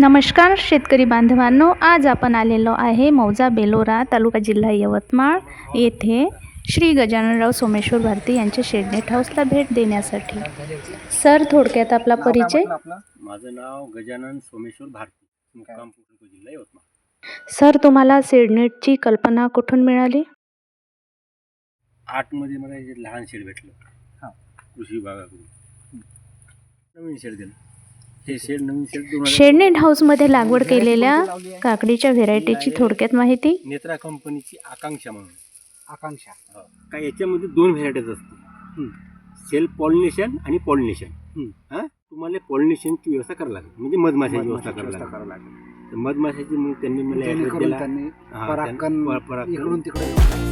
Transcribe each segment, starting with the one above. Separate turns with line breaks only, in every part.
नमस्कार शेतकरी बांधवांनो, आज आपण आलेलो आहे मौजा बेलोरा तालुका जिल्हा यवतमाळ येथे श्री गजाननराव सोमेश्वर भारती यांच्या शेडनेट हाऊसला भेट देण्यासाठी। सर, थोडक्यात आपला परिचय।
माझं नाव गजानन सोमेश्वर भारती, मुक्काम पोटको, जिल्हा यवतमाळ।
सर, तुम्हाला शेडनेटची कल्पना कुठून मिळाली?
आतमध्ये मला एक लहान शेड भेटलं कृषी विभागाकडून, नवीन शेड दिलं। हे शेड नवीन शेड
शेडनेट हाऊसमध्ये लागवड केलेल्या काकडीच्या व्हेरायटीची थोडक्यात माहिती।
नेत्रा कंपनीची आकांक्षा म्हणून। आकांक्षा काय, याच्यामध्ये दोन व्हेरायटीज असतात, सेल्फ पॉलिनेशन आणि पॉलिनेशन। तुम्हाला पॉलिनेशनची व्यवस्था करावी लागेल, म्हणजे मधमाशाची व्यवस्था करावी लागेल। मधमाशाची मग त्यांनी मला ॲड्रेस दिला, परागकण इकडून तिकडे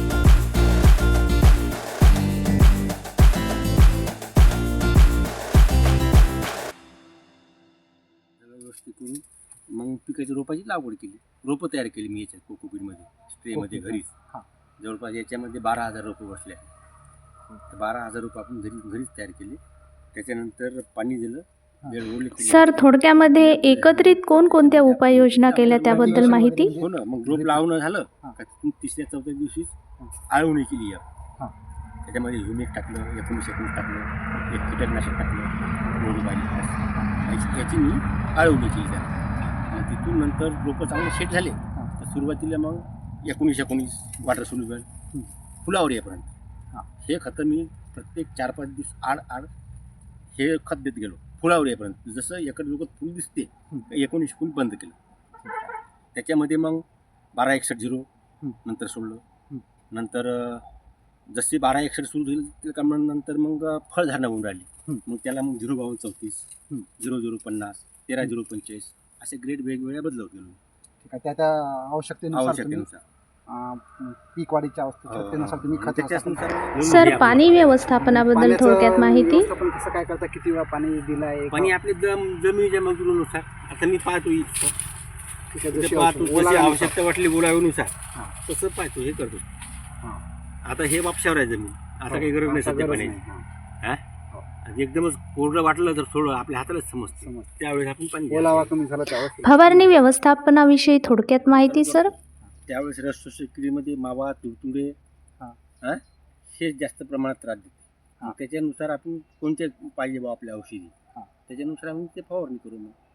व्यवस्थित करून मग पिकाच्या रोपाची लागवड केली, रोपं तयार केली मी याच्यात कोकोपीटमध्ये, स्प्रेमध्ये घरीच। जवळपास याच्यामध्ये 12,000 रोपं बसले आहेत। 12,000 रोपं आपण घरीच तयार केली। त्याच्यानंतर पाणी दिलं, वेळ ओढली।
सर, थोडक्यामध्ये एकत्रित कोणकोणत्या उपाययोजना केल्या त्याबद्दल माहिती।
हो ना, मग रोप लावणं झालं का तिसऱ्या चौथ्या दिवशी आळवणी केली। त्याच्यामध्ये ह्युमिक टाकलं, 19 टाकलं, एक कीटकनाशक टाकलं, याची मी आळवणी केली त्याला। मग तिथून नंतर रोपं चांगले सेट झाले तर सुरुवातीला मग 19 वॉटर सोल्युबल फुलावर येईपर्यंत हे खतं मी प्रत्येक 4-5 दिवस आड हे खत देत गेलो फुलावर येईपर्यंत। जसं एकडे फुल दिसते 19 फुल बंद केलं। त्याच्यामध्ये मग 1261 नंतर सोडलं। नंतर जशी 1261 सुरू झाली त्या नंतर मग फळधारणा होऊन राहिली। मग त्याला मग 05234, 0050, 13-045 असे ग्रेड वेगवेगळ्या बदलवत गेलो।
ठीक आहे, त्या आवश्यकतेनुसार पीक वाढीच्या आवश्यकतेनुसार तुम्ही खतानुसार।
सर, पाणी व्यवस्थापनाबद्दल थोडक्यात माहिती।
कसं काय करता, किती वेळा पाणी दिलाय?
पाणी आपले जमिनीच्या मजुरीनुसार, आता मी पाहतो इथं जशी आवश्यकता वाटली बोलावेनुसार तसं पाहतो, हे करतो। आता हे वापशावर आहे जमीन, आता काही गरज नाही सध्या पाण्याची। एकदमच कोरडं वाटलं तर थोडं आपल्या हातालाच समजतं, त्यावेळेस आपण पाणी
कमी झालं त्यावेळेस।
फवारणी व्यवस्थापनाविषयी थोडक्यात माहिती सर।
त्यावेळेस रस शेतीमध्ये मावा, तुडतुडे हे जास्त प्रमाणात त्रास देते। त्याच्यानुसार आपण कोणते पाहिजे बा आपल्या औषधी, त्याच्यानुसार आपण ते फवारणी करू।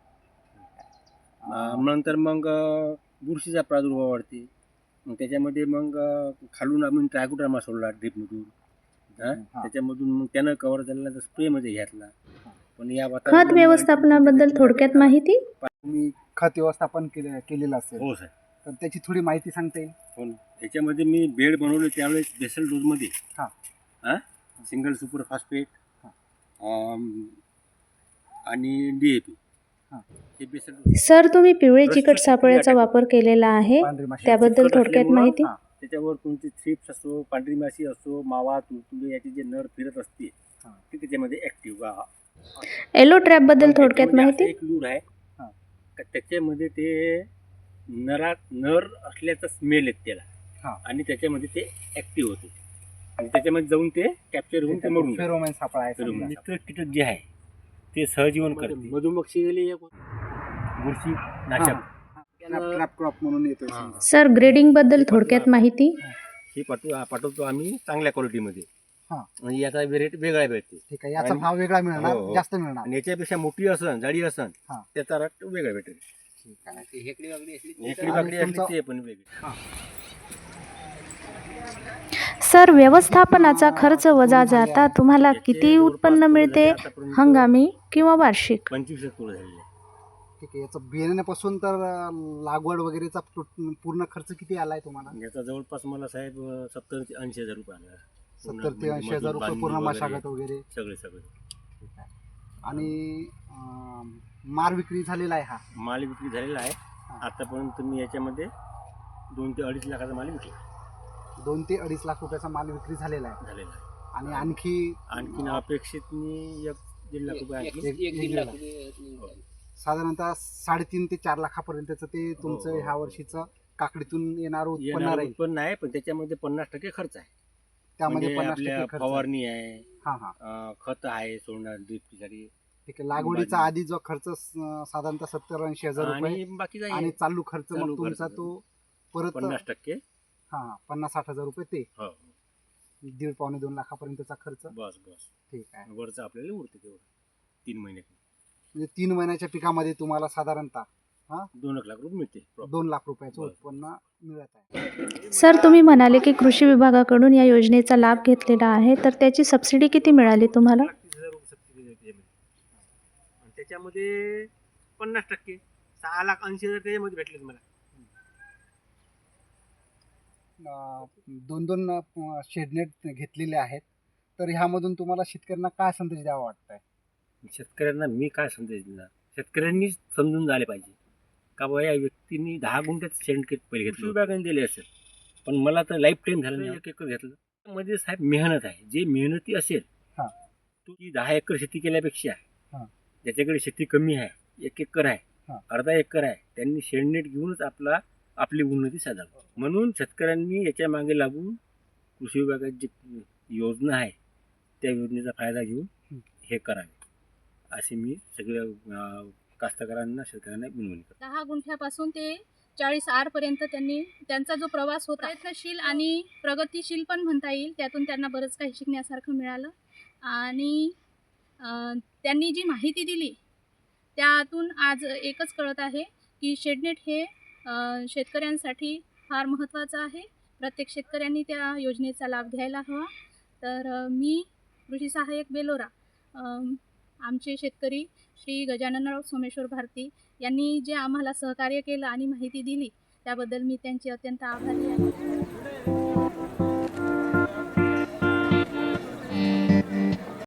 मग नंतर मग बुरशीचा प्रादुर्भाव वाढते, मग त्याच्यामध्ये मग खालून आम्ही ट्रायकोडर्मा सोडला ड्रिपमधून, त्याच्यामधून मग त्यानं कव्हर झालेला तर स्प्रेमध्ये घेतला। पण या
खत व्यवस्थापनाबद्दल थोडक्यात माहिती।
तुम्ही खत व्यवस्थापन केलेलं असेल?
हो सर,
तर त्याची थोडी माहिती सांगता येईल?
हो, त्याच्यामध्ये मी बेड बनवले त्यावेळेस बेसल डोजमध्ये सिंगल सुपर फॉस्फेट आणि DAP हे बेसल।
सर, तुम्ही पिवळे चिकट सापळ्याचा वापर केलेला आहे, त्याबद्दल थोडक्यात माहिती।
त्याच्यावर कोणती थ्रिप्स असो, पांढरी माशी असो, मावा, तुडतुडे याचे जे नर फिरत असते ते त्याच्यामध्ये ऍक्टिव्ह।
येलो ट्रॅप बद्दल थोडक्यात माहिती।
एक लूर आहे, त्याच्यामध्ये ते नर असल्याचा स्मेल येत त्याला, आणि त्याच्यामध्ये ते ऍक्टिव्ह होते आणि त्याच्यामध्ये जाऊन ते कॅप्चर होऊन ते मरून
फेरोमोन सापळा आहे।
मित्र कीटक जे आहे ते सहजीवन करते। मधुमक्षी बुरशी नाशक
ट्रॅप क्रॉप म्हणून येतो।
सर, ग्रेडिंग बद्दल थोडक्यात माहिती।
हे पाठवतो आम्ही चांगल्या क्वालिटीमध्ये, म्हणजे याचा रेट वेगळा भेटते।
ठीक आहे, याचा भाव वेगळा मिळणार, जास्त मिळणार,
आणि याच्यापेक्षा मोठी असन, जाडी असन त्याचा रेट वेगळा भेटेल। हेकडी बाकडी असली ते पण वेगळी।
सर, व्यवस्थापनाचा खर्च वजा जाता तुम्हाला किती उत्पन्न मिळते, हंगामी किंवा वार्षिक?
25 तोळ झालेले।
ठीक आहे, याचं बियाण्यापासून तर लागवड वगैरेचा पूर्ण खर्च किती आलाय तुम्हाला?
याचा जवळपास मला साहेब 70 ते 80 हजार रुपये आला।
70 ते 80 हजार रुपये पूर्ण मशागत वगैरे
सगळे।
ठीक आहे, आणि माल विक्री झालेला आहे? हा
माल विक्री झालेला आहे। आतापर्यंत मी याच्यामध्ये 2 ते 2.5 लाखाचा माल विकला।
2 ते 2.5 लाख रुपयाचा माल विक्री झालेला आहे। आणि आणखी
अपेक्षित मी 1-1.5 लाख रुपये
साधारणतः 3.5 ते 4 लाखापर्यंतचं ते तुमचं ह्या वर्षीचं काकडीतून येणार उत्पन्न
आहे। पण त्याच्यामध्ये 50% खर्च आहे,
त्यामध्ये
आपल्या
50%
फवारणी आहे,
खत
आहे सोडणार ड्रिपसाठी,
ठीक आहे. लागवडीचा आधी जो खर्च साधारणतः 70-80 हजार रुपये
आणि बाकीचा
आणि चालू खर्च
चालू
मग तुमचा
खर्च
तो परत
50%.
हा 50-60 हजार रुपये ते
हो
1.5-2 लाखापर्यंतचा खर्च.
बस बस
ठीक आहे.
वरचं आपल्याला उरते तेवढं 3 महिन्यात
म्हणजे 3 महिन्याच्या पिकामध्ये तुम्हाला साधारणतः
2 लाख रुपये मिळते.
2 लाख रुपयाचं
बरं.
उत्पन्न मिळत आहे.
सर, तुम्ही म्हणाले की कृषी विभागाकडून या योजनेचा लाभ घेतलेला आहे, तर त्याची सबसिडी किती मिळाली तुम्हाला?
30,000 रुपये सबसिडी मिळते त्यामध्ये. आणि त्याच्यामध्ये 50% 6,80,000 त्याच्यामध्ये भेटले तुम्हाला.
2 शेडनेट घेतलेले आहेत. तर ह्यामधून तुम्हाला शेतकऱ्यांना काय संदेश द्यावा वाटतंय?
शेतकऱ्यांना मी काय संदेश देणार, शेतकऱ्यांनी समजून झाले पाहिजे का बाबा या व्यक्तींनी 10 गुंठ्यात शेणखत पहिले घेतलं, विभागाने दिले असेल, पण मला तर लाईफ टाईम झालं नाही 1 एकर घेतलं. मध्ये साहेब मेहनत आहे, जे मेहनती असेल
हा.
ती 10 एकर शेती केल्यापेक्षा
हा.
ज्याच्याकडे शेती कमी आहे, 1 एकर आहे,
हा.
अर्धा एकर आहे, त्यांनी शेणनेट घेऊनच आपली उन्नती साधावी. म्हणून शेतकऱ्यांनी याच्या मागे लागून कृषी विभागाची जी योजना आहे त्या योजनेचा फायदा घेऊन हे करावे असे मी सगळ्या कास्तकारांना शेतकऱ्यांना विनवणी करतो.
10 गुंठ्यापासून ते 40 आरपर्यंत त्यांचा जो प्रवास होता प्रयत्नशील आणि प्रगतिशील पण म्हणता येईल. त्यातून त्यांना बरंच काही शिकण्यासारखं मिळालं आणि त्यांनी जी माहिती दिली त्यातून आज एकच कळत आहे की शेडनेट हे शेतकऱ्यांसाठी फार महत्त्वाचं आहे. प्रत्येक शेतकऱ्यांनी त्या योजनेचा लाभ घ्यायला हवा. तर मी कृषी सहाय्यक बेलोरा, आमचे शेतकरी श्री गजाननराव सोमेश्वर भारती यांनी जे आम्हाला सहकार्य केलं आणि माहिती दिली त्याबद्दल मी त्यांची अत्यंत आभारी आहे.